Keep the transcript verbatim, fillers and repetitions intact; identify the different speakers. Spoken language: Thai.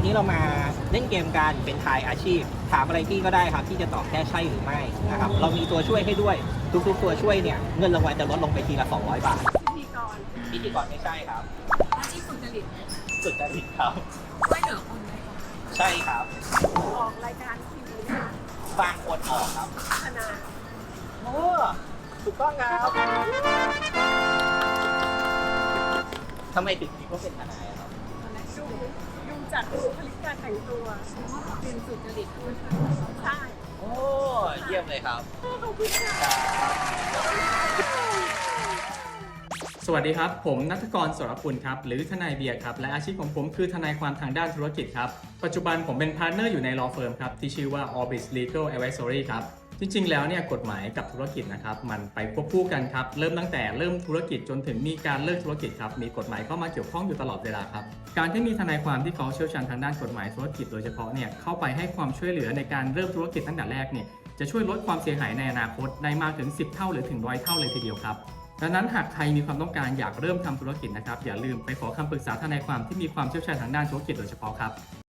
Speaker 1: วันนี้เรามาเล่นเกมกันเป็นทายอาชีพถามอะไรพี่ก็ได้ครับที่จะตอบแค่ใช่หรือไม่นะครับเรามีตัวช่วยให้ด้วยทุกๆตัวช่วยเนี่ยเงินรางวัลจะลดลงไปทีละสองร้อยบาท
Speaker 2: พิธีกร
Speaker 1: พิธีกรไม่ใช่ครับ
Speaker 2: อาชีพสุจริต
Speaker 1: สุจริตครับ
Speaker 2: ช่วยเหลือคนไหม
Speaker 1: ใช่ครับ
Speaker 2: ออกรายการทีวีนะคะ
Speaker 1: บางคนออกครับ
Speaker 2: ทนาย
Speaker 1: โอ้ถูกต้องครับทำไมถึงคิดว่าเป็นทนายครับ
Speaker 2: ดูดูจากบุคลิกการแต่งตัวเป็นสุจริตใช่
Speaker 1: โอ้เยี่ยมเลยครับ
Speaker 2: ขอบคุณค่ะ
Speaker 3: สวัสดีครับผมณัฐกร สรกุลครับหรือทนายเบียร์ครับและอาชีพของผมคือทนายความทางด้านธุรกิจครับปัจจุบันผมเป็นพาร์ทเนอร์อยู่ใน law firm ครับที่ชื่อว่า Orbis Legal Advisory ครับจริงๆแล้วเนี่ยกฎหมายกับธุรกิจนะครับมันไปควบคู่กันครับเริ่มตั้งแต่เริ่มธุรกิจจนถึงมีการเลิกธุรกิจครับมีกฎหมายเข้ามาเกี่ยวข้องอยู่ตลอดเวลาครับการที่มีทนายความที่เขาเชี่ยวชาญทางด้านกฎหมายธุรกิจโดยเฉพาะเนี่ยเข้าไปให้ความช่วยเหลือในการเริ่มธุรกิจตั้งแต่แรกเนี่ยจะช่วยลดความเสียหายในอนาคตได้มากถึงสิบเท่าหรือถึงร้อยเท่าเลยทีเดียวครับดังนั้นหากใครมีความต้องการอยากเริ่มทำธุรกิจนะครับอย่าลืมไปขอคำปรึกษาทนายความที่มีความเชี่ยวชาญทางด้านธุรกิจโดยเฉพาะครับ